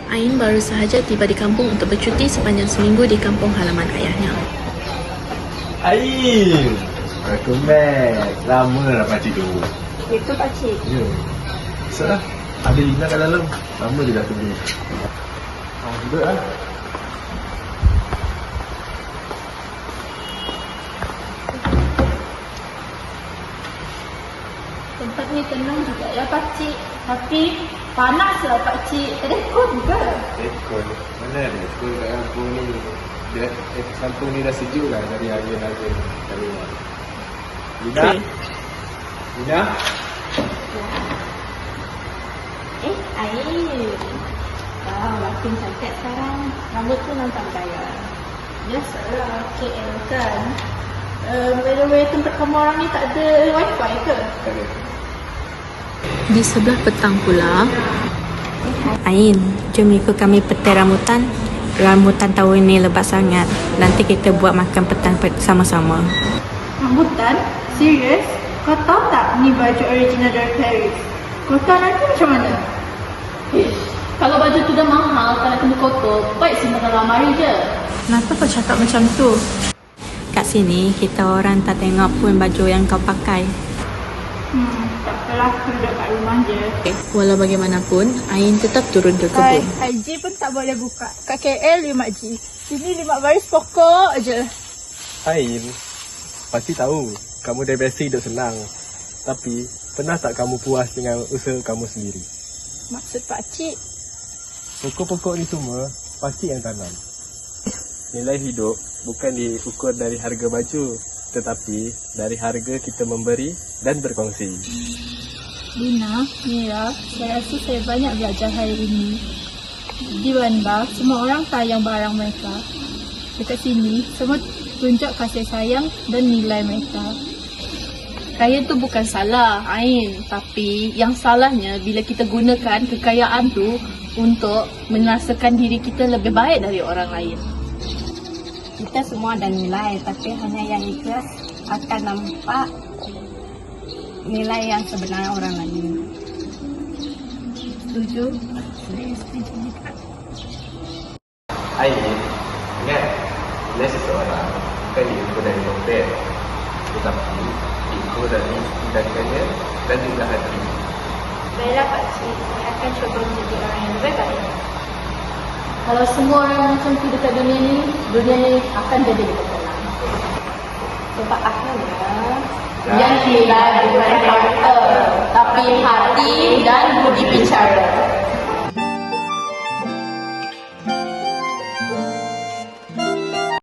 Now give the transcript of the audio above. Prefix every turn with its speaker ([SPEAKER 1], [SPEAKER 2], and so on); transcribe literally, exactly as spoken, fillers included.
[SPEAKER 1] Ain baru sahaja tiba di kampung untuk bercuti sepanjang seminggu di kampung halaman ayahnya.
[SPEAKER 2] Ain! Welcome back. Lama dah pakcik tunggu.
[SPEAKER 3] Itu pakcik.
[SPEAKER 2] Ya. Salah. Ada Lina kat dalam. Lama je dah tunggu. Ah, duduk lah.
[SPEAKER 3] Tempat ni tenang juga ya pakcik. Tapi panas lah pakcik. Ada aircon juga.
[SPEAKER 2] Aircon. Mana ada aircon kat kampung ni? Dia, eh, kampung ni dah sejuk lah dari harga-harga kat luar. Lina?
[SPEAKER 1] Okay.
[SPEAKER 2] Lina?
[SPEAKER 3] Eh, air. Wow, makin cantik sekarang. Rambut tu nampak gaya. Biasalah K L kan. Uh, by the way, tempat kamu orang ni tak ada wifi ke?
[SPEAKER 2] Tak ada.
[SPEAKER 1] Di sebelah petang pula,
[SPEAKER 4] Ain, jom ikut kami petai rambutan. Rambutan tahun ni lebat sangat. Nanti kita buat makan petang sama-sama.
[SPEAKER 3] Rambutan? Serius? Kau tahu tak ni baju original dari Paris? Kau tahu nanti macam mana? Eh, kalau baju tu dah mahal, tak nak kena kotor, baik simpan dalam lemari je. Kenapa kau cakap macam tu?
[SPEAKER 4] Kat sini, kita orang tak tengok pun baju yang kau pakai.
[SPEAKER 3] Hmm, tak apalah, aku duduk kat rumah je.
[SPEAKER 1] walau bagaimanapun, Ain tetap turun ke
[SPEAKER 3] Hai,
[SPEAKER 1] kebun.
[SPEAKER 3] I G pun tak boleh buka. Kat K L lima G. Sini lima baris pokok je.
[SPEAKER 2] Ain, pasti tahu kamu dah biasa hidup senang. Tapi, pernah tak kamu puas dengan usaha kamu sendiri?
[SPEAKER 3] Maksud pakcik?
[SPEAKER 2] Pokok-pokok ni semua, pakcik yang tanam. Nilai hidup bukan diukur dari harga baju, tetapi dari harga kita memberi dan berkongsi.
[SPEAKER 3] Lina, Mira, saya rasa saya banyak belajar hari ini. Di Bandar, semua orang sayang barang mereka. Dekat sini, semua tunjuk kasih sayang dan nilai mereka.
[SPEAKER 1] Kaya tu bukan salah, Ain. Tapi yang salahnya bila kita gunakan kekayaan tu untuk merasakan diri kita lebih baik dari orang lain.
[SPEAKER 4] Kita semua ada nilai, tapi hanya yang ikhlas akan nampak nilai yang sebenarnya orang lain.
[SPEAKER 3] Setuju?
[SPEAKER 2] Ain, ingat, nilai seseorang bukan diukur dari dompet, tetapi diukur dari tindakannya dan juga hati.
[SPEAKER 3] Baiklah pakcik, saya akan cuba menjadi orang yang lebih baik. Kalau semua orang macam tu dekat dunia ni, dunia ni akan jadi lebih tenang. Sebab akhirnya, yang hilang bukan harta, tapi hati dan budi bicara.